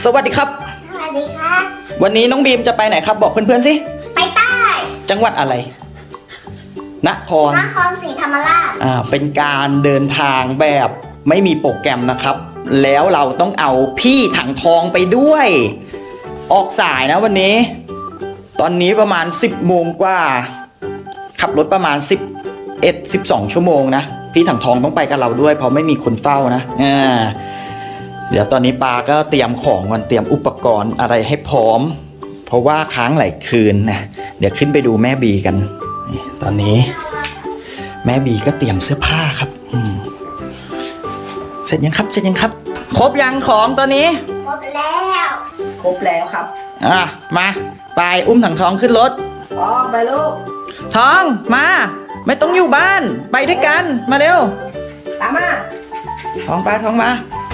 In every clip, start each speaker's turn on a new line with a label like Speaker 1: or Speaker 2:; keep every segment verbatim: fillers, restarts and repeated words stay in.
Speaker 1: สวัสดีครับ
Speaker 2: สวัสดีครับ
Speaker 1: วันนี้น้องบีมจะไปไหนครับบอกเพื่อนๆสิ
Speaker 2: ไปใต้
Speaker 1: จังหวัดอะไรนคร
Speaker 2: นครศรีธรรมราช
Speaker 1: อ่าเป็นการเดินทางแบบไม่มีโปรแกรมนะครับแล้วเราต้องเอาพี่ถังทองไปด้วยออกสายนะวันนี้ตอนนี้ประมาณสิบโมงกว่าขับรถประมาณสิบเอ็ด สิบสองชั่วโมงนะพี่ถังทองต้องไปกับเราด้วยเพราะไม่มีคนเฝ้านะอ่าเดี๋ยวตอนนี้ปาก็เตรียมของก่อนเตรียมอุปกรณ์อะไรให้พร้อมเพราะว่าค้างหลายคืนนะเดี๋ยวขึ้นไปดูแม่บีกันตอนนี้แม่บีก็เตรียมเสื้อผ้าครับอืมเสร็จยังครับเสร็จยังครับครบยังของตอนนี้
Speaker 2: ครบแล้ว
Speaker 1: ครบแล้วครับอ่ะมาไปอุ้มถังทองขึ้นรถ
Speaker 2: ทองไปลูก
Speaker 1: ทองมาไม่ต้องอยู่บ้านไปด้วยกันมาเร็ว
Speaker 2: ตามมา
Speaker 1: ทองไปทองมา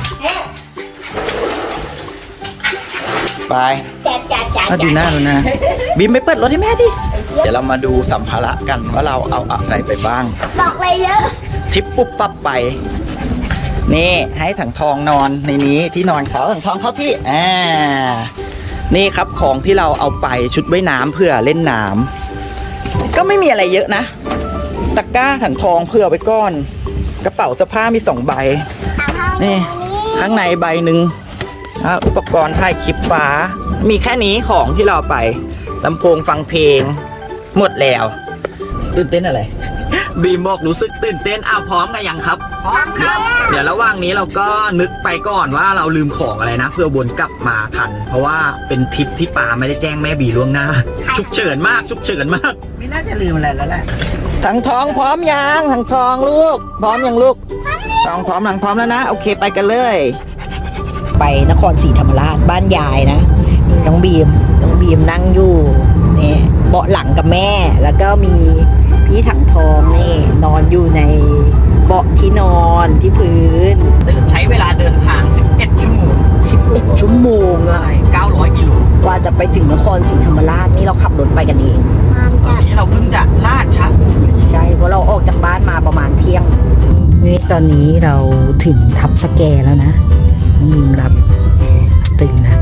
Speaker 1: ไป
Speaker 2: จัดจัดจัด
Speaker 1: ดูหน้าดูหน้าบีมไปเปิดรถให้แม่ดิเดี๋ยวเรามาดูสัมภาระกันว่าเราเอาอะไรไปบ้าง
Speaker 2: บอกเลยเยอะ
Speaker 1: ทิปปุ๊บปั๊บไปนี่ให้ถังทองนอนในนี้ที่นอนเขาถังทองเข้าที่อ่านี่ครับของที่เราเอาไปชุดว่ายน้ำเพื่อเล่นน้ำก็ไม่มีอะไรเยอะนะตะกร้าถังทองเพื่อไว้ก้อนกระเป๋าเสื้อผ้ามีสองใบนี่ข้างในใบหนึ่งอุปกรณ์ถ่ายคลิปฟ้ามีแค่นี้ของที่เราไปลำโพงฟังเพลงหมดแล้วตื่นเต้นอะไรบีมบอกรู้สึกตื่นเต้นอ้าวพร้อมกันยังครับ
Speaker 2: พร้อมครับ
Speaker 1: เดี๋ยวระหว่างนี้เราก็นึกไปก่อนว่าเราลืมของอะไรนะเพื่อวนกลับมาทันเพราะว่าเป็นทริปที่ป่าไม่ได้แจ้งแม่บีล่วงหน้าฉุกเฉินมากฉุกเฉินมาก
Speaker 2: ไม่น่าจะลืมอะไรแล้วแหละ
Speaker 1: ถังทองพร้อมยังถังทองลูกพร้อมยังลูกทองพร้อมหลังพร้อมแล้วนะโอเคไปกันเลย
Speaker 3: ไปนครศรีธรรมราชบ้านยายนะน้องบีมน้องบีมนั่งอยู่นี่เบาะหลังกับแม่แล้วก็มีพี่ถังทองนี่นอนอยู่ในเบาะที่นอนที่พื้น
Speaker 1: ใช้เวลาเดินทางสิบเอ็ดชั่วโมง
Speaker 3: สิบเอ็ดชั่วโมงอะ
Speaker 1: เก้าร้อยกิโล
Speaker 3: กว่าจะไปถึงนครศรีธรรมราชนี่เราขับรถไปกันเอง
Speaker 1: ตอนนี้เราเพิ่งจะลาดชัก
Speaker 3: ใช่เพราะเราออกจากบ้านมาประมาณเที่ยงนี่ตอนนี้เราถึงทับสแกแล้วนะมีรับตื่นนะ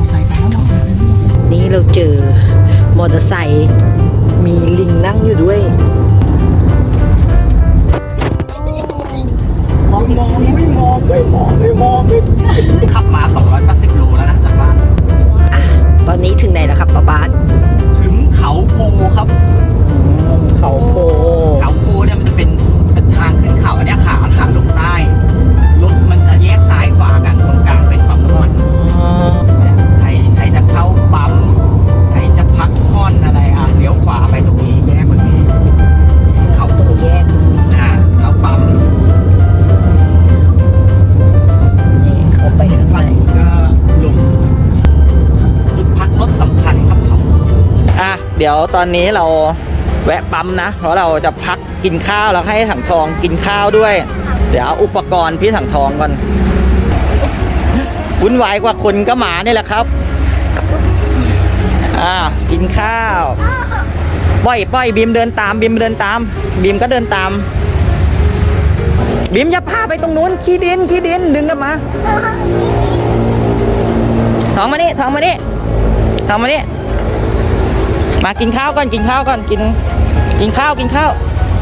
Speaker 3: นี่เราเจอมอเตอร์ไซค์มีลิงนั่งอยู่ด้วย
Speaker 1: มองมองไม่มองไม่มองไม่มองขับมาสองร้อยแปดสิบโลแล้วนะจากบ้าน
Speaker 3: ตอนนี้ถึงไหนแล้วครับป้าบ้าน
Speaker 1: ถึงเขาโพครับ
Speaker 3: เขาโพ
Speaker 1: เขาโพเนี่ยมันจะเป็นเป็นทางขึ้นเขาอันนี้ขาขาลงใต้รถมันจะแยกซ้ายขวากันตรงกลางเป็นปั๊มน้ำมันใครใครจะเข้าปั๊มใครจะพักผ่อนอะไรอ่ะเลี้ยวขวาไปตรงนี้แยกตรงนี้เขาโพแยกตรงนี้อ่าเข้าปั๊ม
Speaker 3: นี่เขาไป
Speaker 1: ฝั่งก็ลงจุดพักรถสำคัญครับเขาอ่ะเดี๋ยวตอนนี้เราแวะปั๊มนะเพราะเราจะพักกินข้าวแล้วให้ถังทองกินข้าวด้วยเดี๋ยวเอาอุปกรณ์พี่ถังทองก่อนวุ่นวายกว่าคนก็หมานี่แหละครับอ่ากินข้าวปล่อยปล่อยบีมเดินตามบีมเดินตามบีมก็เดินตามบีมอย่าพาไปตรงนู้นขี้ดินขี้ดินดึงกลับมาทองมานี่ทองมานี่ทองมานี่มากินข้าวก่อนกินข้าวก่อนกินกินข้าวกินข้าว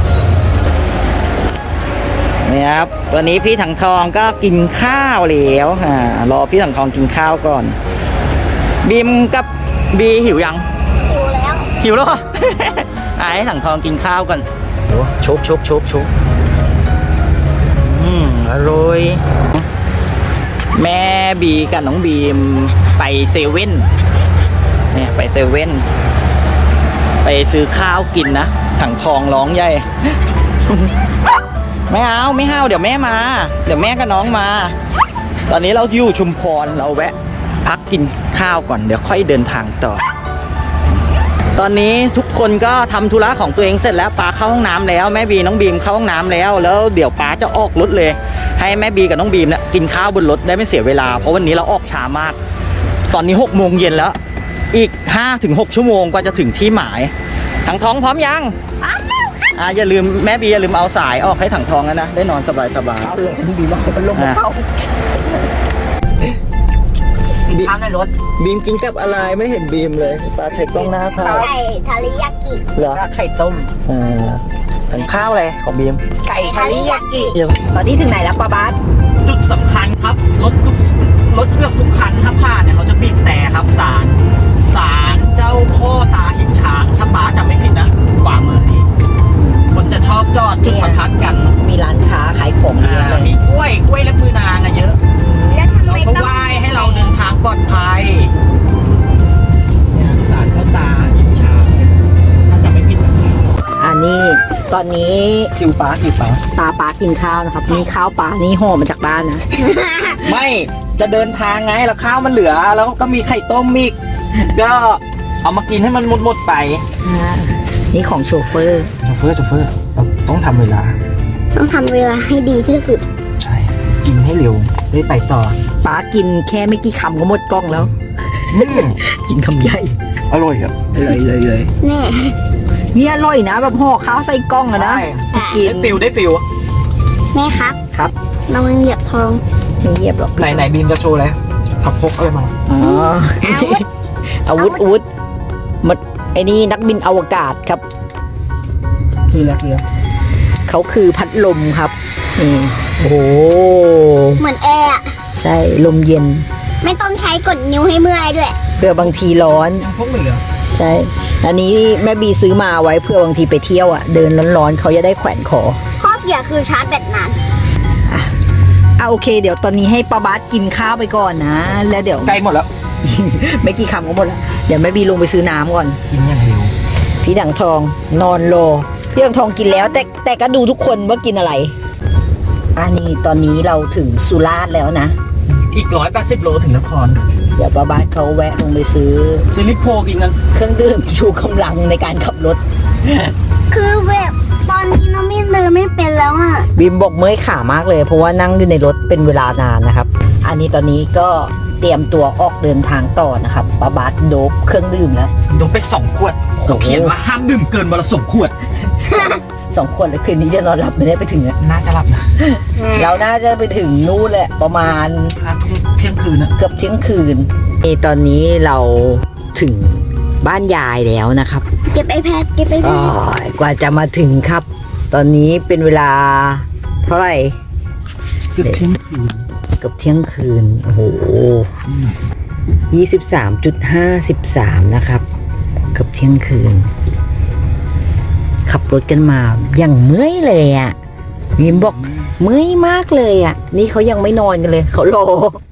Speaker 1: นี่ครับวันนี้พี่ถังทองก็กินข้าวแล้วฮะรอพี่ถังทองกินข้าวก่อนบีมกับบีหิวยัง
Speaker 2: หิวแล้ว
Speaker 1: หิวแล้วไอ้ถังทองกินข้าวก่อนโชกโชกโชกโชกอืมอร่อยแม่บีกับน้องบีมไปเซเว่นเนี่ยไปเซเว่นไปซื้อข้าวกินนะถังทองร้องใหญ่ไม่เอาไม่เอาเดี๋ยวแม่มาเดี๋ยวแม่กับน้องมาตอนนี้เราอยู่ชุมพรเราแวะพักกินข้าวก่อนเดี๋ยวค่อยเดินทางต่อตอนนี้ทุกคนก็ทำธุระของตัวเองเสร็จแล้วป้าเข้าห้องน้ำแล้วแม่บีน้องบีมเข้าห้องน้ำแล้วแล้วเดี๋ยวป้าจะออกรถเลยให้แม่บีกับน้องบีมเนี่ยกินข้าวบนรถได้ไม่เสียเวลาเพราะวันนี้เราออกช้ามากตอนนี้หกโมงเย็นแล้วอีก ห้าถึงหก ชั่วโมงกว่าจะถึงที่หมายถังทองพร้อมยังอ่าอย่าลืมแม่บีอย่าลืมเอาสายออกให้ถังทองนะได้นอนสบายสบายเอาเลยบีบอกเป็นลมเข้า
Speaker 3: ข้าวในรถ
Speaker 1: บีมกินกับอะไรไม่เห็นบีมเลยปลาใช้กล้องหน้าข้าว
Speaker 2: ไก่ทาริยากิ
Speaker 1: เหรอ
Speaker 3: ไข่ต้ม
Speaker 1: เออทั้งข้าวเลยของบีม
Speaker 3: ไก่ทาริยากิตอนนี้ถึงไหนแล้วป้าบาส
Speaker 1: จุดสำคัญครับรถทุกรถเกือบทุกคันถ้าผ่านเนี่ยเขาจะบีบแต่ครับศาลศาลเจ้าพ่อตาหินช้างถ้าป้าจำไม่ผิดนะขวามือนี้คนจะชอบจอดจุดประทัดกัน
Speaker 3: มีร้านค้าขายของเยอะเลย
Speaker 1: มีกล้วยกล้วยและมือนางอะเยอะ
Speaker 2: แล้วทำ
Speaker 1: เรา
Speaker 2: ไม
Speaker 1: ก็
Speaker 2: ต้อง
Speaker 1: ไหว้ให้เราเดินทางปลอดภัยเนี่ยศาลพ่อตาหินช้างถ้าจำไม่ผิดนะครับ
Speaker 3: อันนี้ตอนนี้
Speaker 1: คิวป้าคิวป้า
Speaker 3: ปลาปลากินข้าวนะครับนี่ข้าวปลานี่ห่อมาจากบ้านนะ
Speaker 1: ไม่จะเดินทางไงแล้วข้าวมันเหลือ แล้วก็มีไข่ต้มอีกก็เอามากินให้มันหมดๆไป
Speaker 3: อ่านี่ของโชเฟอร์
Speaker 1: โชเฟอร์โชเฟอร์เราต้องทำเวลา
Speaker 2: ต้องทำเวลาให้ดีที่สุด
Speaker 1: ใช่ กินให้เร็วได้ไปต่อ
Speaker 3: ปลากินแค่ไม่กี่คำก็หมดกล้องแล้ว
Speaker 1: อืม
Speaker 3: กินคำใหญ่
Speaker 1: อร่อยครับ
Speaker 3: เลยเลยเลย
Speaker 2: แม่
Speaker 3: นี่อร่อยนะแบบห่อข้าวใส่กล้องอะนะ กิน
Speaker 1: ได้ฟิลได้ฟิล
Speaker 2: แม่ครับ
Speaker 3: ครับ
Speaker 2: ระวังเหยียบทอง
Speaker 3: ไม่เยียบหรอก
Speaker 1: ไหนไหนบีมจะโชว์แล้วผักพกอะไรมา
Speaker 3: อ๋อ อาวุธอาวุธมันไอ้นี่นักบินอวกาศครับ
Speaker 1: คืออะไรคือ
Speaker 3: เขาคือพัดลมครับนี่โอ้โห
Speaker 2: เหมือนแอร์อะ
Speaker 3: ใช่ลมเย็น
Speaker 2: ไม่ต้องใช้กดนิ้วให้เมื่อยด้วย
Speaker 3: เพื่อบางทีร้อน
Speaker 1: ยังพกเหลือ
Speaker 3: ใช่ อันนี้แม่บีซื้อมาไว้เพื่อบางทีไปเที่ยวอ่ะ เดินร้อนๆเขาจะได้แขวนคอ
Speaker 2: ข้อเสียคือชาร์จแบตนาน
Speaker 3: อ่ะโอเค เดี๋ยวตอนนี้ให้ป้าบาสกินข้าวไปก่อนนะ แล้วเดี๋ยว
Speaker 1: ใกล้หมดแล้ว
Speaker 3: ไม่กี่คำก็หมดแล้วเดี๋ยวแม่บีลงไปซื้อน้ำก่อน
Speaker 1: กินอย่างเร็ว
Speaker 3: พี่ดังทองนอนรอพี่ดังทองกินแล้ว แต่แต่ก็ดูทุกคนว่ากินอะไร อันนี้ตอนนี้เราถึงสุราษฎร์แล้วนะ
Speaker 1: อีกร้อยแปดสิบโลถึงนคร
Speaker 3: เดี๋ยวป้าบาสเขาแวะลงไปซื้อ
Speaker 1: ซิลิโพกินกัน
Speaker 3: เครื่องดื่มชูกำลังในการขับรถ
Speaker 2: คือแบบตอนนี้น้องไม่เดินไม่เป็นแล้วอ่ะ
Speaker 3: บิมบอกเมื่อยขามากเลย เพราะว่านั่งอยู่ในรถเป็นเวลานานนะครับ อันนี้ตอนนี้ก็เตรียมตัวออกเดินทางต่อนะครับป้าบาสโดบเครื่องดื่มแล้ว
Speaker 1: โดนไปสองขวดเขาเขียนว่าห้ามดื่มเกินวันละสองขวด
Speaker 3: สองคนแล้วคืนนี้จะนอนหลับไม่ได้ไปถึงอะ
Speaker 1: น่าจะหลับนะ
Speaker 3: เราน่าจะไปถึงนู่นแหละประมาณ
Speaker 1: ห้าทุ่มเที่ยงคืนนะ
Speaker 3: เกือบเที่ยงคืนเอตอนนี้เราถึงบ้านยายแล้วนะครับ
Speaker 2: เก็บไอแพดเก็บไอแพ
Speaker 3: อ้
Speaker 2: ด
Speaker 3: อยกว่าจะมาถึงครับ ตอนนี้เป็นเวลาเท่าไหร่
Speaker 1: เกือบเที่ยงคืน
Speaker 3: เกือบเที่ยงคืน โอ้โหยี่สิบสามจุดห้าสิบสามนะครับ เกือบเที่ยงคืน ขับรถกันมาอย่างเมื่อยเลยอ่ะวิมบอกเมื่อยมากเลยอ่ะ นี่เขายังไม่นอนกันเลย เขารอ